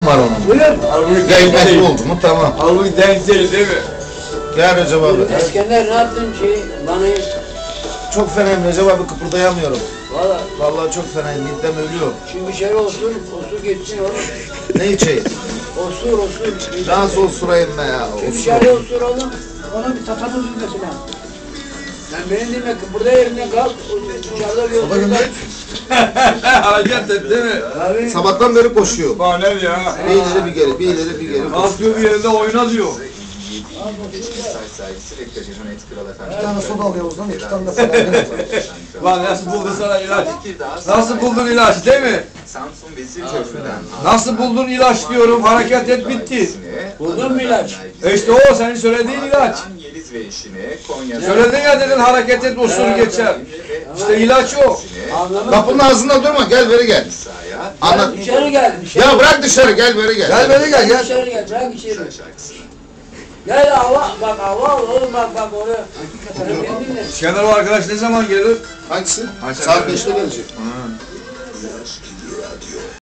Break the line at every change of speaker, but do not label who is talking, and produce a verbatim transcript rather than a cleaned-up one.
var onun.
Buyur.
Ya hikmetli oldu mu tamam.
Halbuki denk değil değil mi?
Gel Recep abi.
Eskender ne yaptın şey bana?
Çok fenayım Recep abi, kıpırdayamıyorum.
Valla
Vallahi çok fenayım, midem ölüyor.
şimdi bir şey olsun, osur geçsin oğlum.
Ne içeyim?
Osur osur.
Nasıl osurayım be ya?
Bir
Osur.
şey olsun oğlum. Ona bir tatamız mesela. Sen beni dinle, burada yerinden kalk, dışarıda bir
Baba gönder.
Hareket et değil mi?
Abi.
Sabahtan beri koşuyor.
Bana ne ya?
Bir ileri bir geri, bir ileri bir geri.
Kalkıyor bir yerinde oyna diyor.
Bir tane soda alıyoruz lan, iki tane de falan.
Lan nasıl buldun sana ilaç? Nasıl buldun ilaç değil mi? Nasıl buldun ilaç diyorum, hareket et bitti.
Buldun mu ilaç?
E işte o senin söylediğin ilaç. Söyledin ya dedin hareket et usul geçer. İşte ilaç o.
Anlamadım.
Kapının ağzında durma, gel beri gel. Anlat.
Dışarı gel, dışarı.
Ya bırak dışarı, gel beri gel.
Gel beni gel gel.
Dışarı gel, bırak içeri. Gel hava, bak hava al oğlum bak bak oraya. Sen kendinle.
İskender o arkadaş ne zaman gelir?
Hangisi? Saat beşte gelecek.